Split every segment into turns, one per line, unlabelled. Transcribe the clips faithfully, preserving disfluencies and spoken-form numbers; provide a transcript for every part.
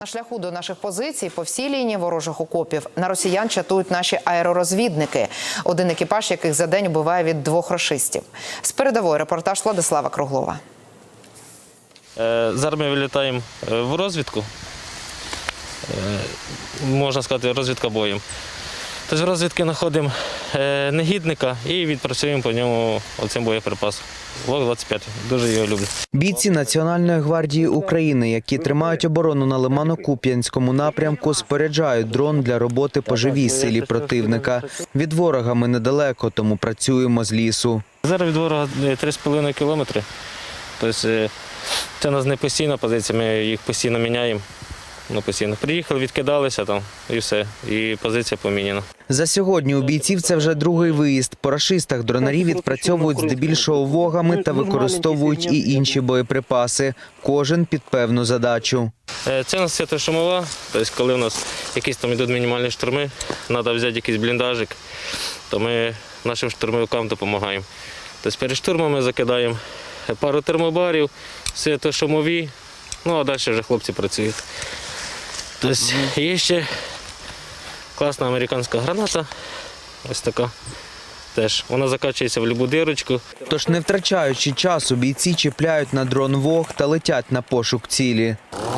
На шляху до наших позицій по всій лінії ворожих окопів на росіян чатують наші аеророзвідники, один екіпаж яких за день убиває від двох рашистів. З передової репортаж Владислава Круглова.
Зараз ми вилітаємо в розвідку, можна сказати, розвідка боєм. Тобто в розвідки знаходимо негідника і відпрацюємо по ньому оцим боєприпасом. Вог двадцять п'ять. Дуже його люблю.
Бійці Національної гвардії України, які тримають оборону на Лимано-Куп'янському напрямку, споряджають дрон для роботи по живій силі противника. Від ворога ми недалеко, тому працюємо з лісу.
Зараз від ворога три з половиною кілометри. Тобто це у нас не постійна позиція, ми їх постійно міняємо. Ну, постійно. Приїхали, відкидалися там і все, і позиція поміняна.
За сьогодні у бійців це вже другий виїзд. По рашистах дронарі відпрацьовують здебільшого вогами та використовують і інші боєприпаси. Кожен під певну задачу.
Це у нас світлошумова, тобто коли у нас якісь там йдуть мінімальні штурми, треба взяти якийсь бліндажик, то ми нашим штурмовикам допомагаємо. Тобто перед штурмом ми закидаємо пару термобарів, світлошумові, ну а далі вже хлопці працюють. Тобто є ще класна американська граната, ось така. Теж вона закачується в будь-яку дирочку.
Тож, не втрачаючи часу, бійці чіпляють на дрон вог та летять на пошук цілі.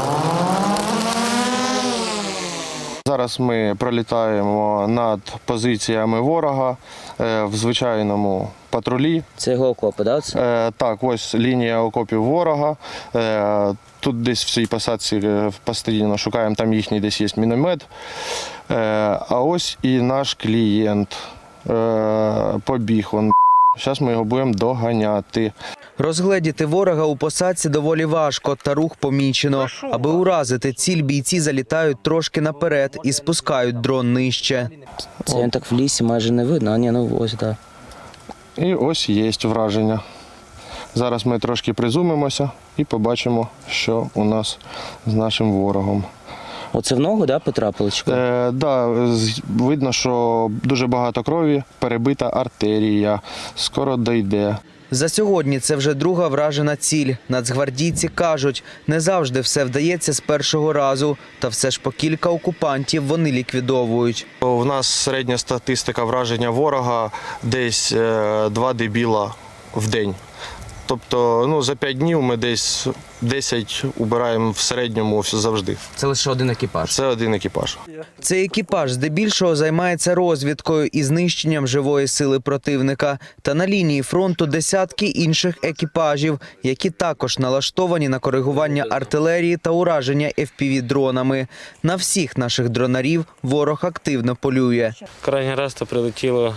Зараз ми пролітаємо над позиціями ворога в звичайному патрулі.
Це його окопи, так?
Да? Так, ось лінія окопів ворога. Тут десь в цій посадці постійно шукаємо, там їхній десь є міномет. А ось і наш клієнт побіг. Зараз ми його будемо доганяти.
Розгледіти ворога у посадці доволі важко, та рух помічено. Аби уразити ціль, бійці залітають трошки наперед і спускають дрон нижче.
Це він так в лісі майже не видно, а ні, ну ось, так.
І ось є враження. Зараз ми трошки призумимося і побачимо, що у нас з нашим ворогом.
Оце в ногу, да, потрапили?
Е, да, видно, що дуже багато крові, перебита артерія, скоро дійде.
За сьогодні це вже друга вражена ціль. Нацгвардійці кажуть, не завжди все вдається з першого разу, та все ж по кілька окупантів вони ліквідовують.
У нас середня статистика враження ворога десь два дебіла в день. Тобто ну, за п'ять днів ми десь десять убираємо в середньому завжди.
Це лише один екіпаж?
Це один екіпаж.
Цей екіпаж здебільшого займається розвідкою і знищенням живої сили противника. Та на лінії фронту десятки інших екіпажів, які також налаштовані на коригування артилерії та ураження еф пі ві-дронами. На всіх наших дронарів ворог активно полює.
Крайній раз то прилетіло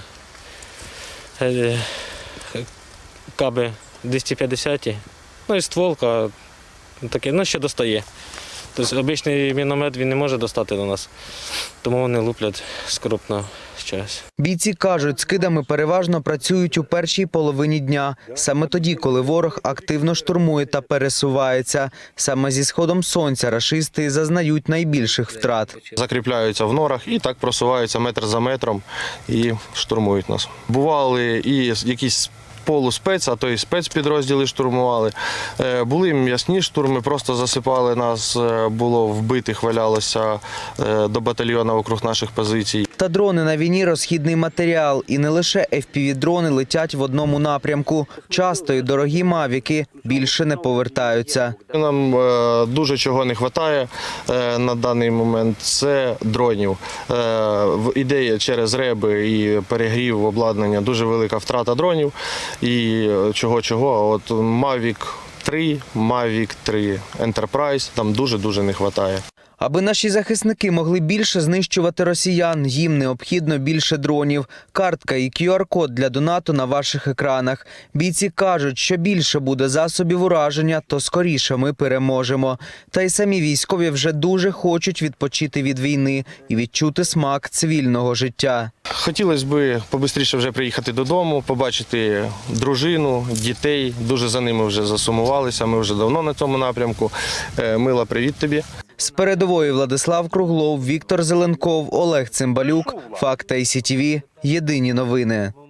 каби двісті п'ятдесят, ну і стволка, таке, ну що достає. Тобто обичний міномет він не може достати до нас, тому вони луплять скрупно щось.
Бійці кажуть, скидами переважно працюють у першій половині дня, саме тоді, коли ворог активно штурмує та пересувається. Саме зі сходом сонця рашисти зазнають найбільших втрат.
Закріпляються в норах і так просуваються метр за метром і штурмують нас. Бували і якісь полуспец, а то і спецпідрозділи штурмували. Були м'ясні штурми, просто засипали нас, було вбитих, валялося до батальйона округ наших позицій.
Та дрони на війні – розхідний матеріал. І не лише еф пі ві-дрони летять в одному напрямку. Часто і дорогі мавіки більше не повертаються.
Нам дуже чого не вистачає на даний момент – це дронів. Ідея через реби і перегрів обладнання, дуже велика втрата дронів. І чого-чого, а от Mavic три, Mavic три Enterprise там дуже-дуже не вистачає.
Аби наші захисники могли більше знищувати росіян, їм необхідно більше дронів. Картка і кю ар-код для донату на ваших екранах. Бійці кажуть, що більше буде засобів ураження, то скоріше ми переможемо. Та й самі військові вже дуже хочуть відпочити від війни і відчути смак цивільного життя.
Хотілося б побистріше вже приїхати додому, побачити дружину, дітей. Дуже за ними вже засумувалися, ми вже давно на цьому напрямку. Мила, привіт тобі.
З передової Владислав Круглов, Віктор Зеленков, Олег Цимбалюк, Факт ай сі ті ві. Єдині новини.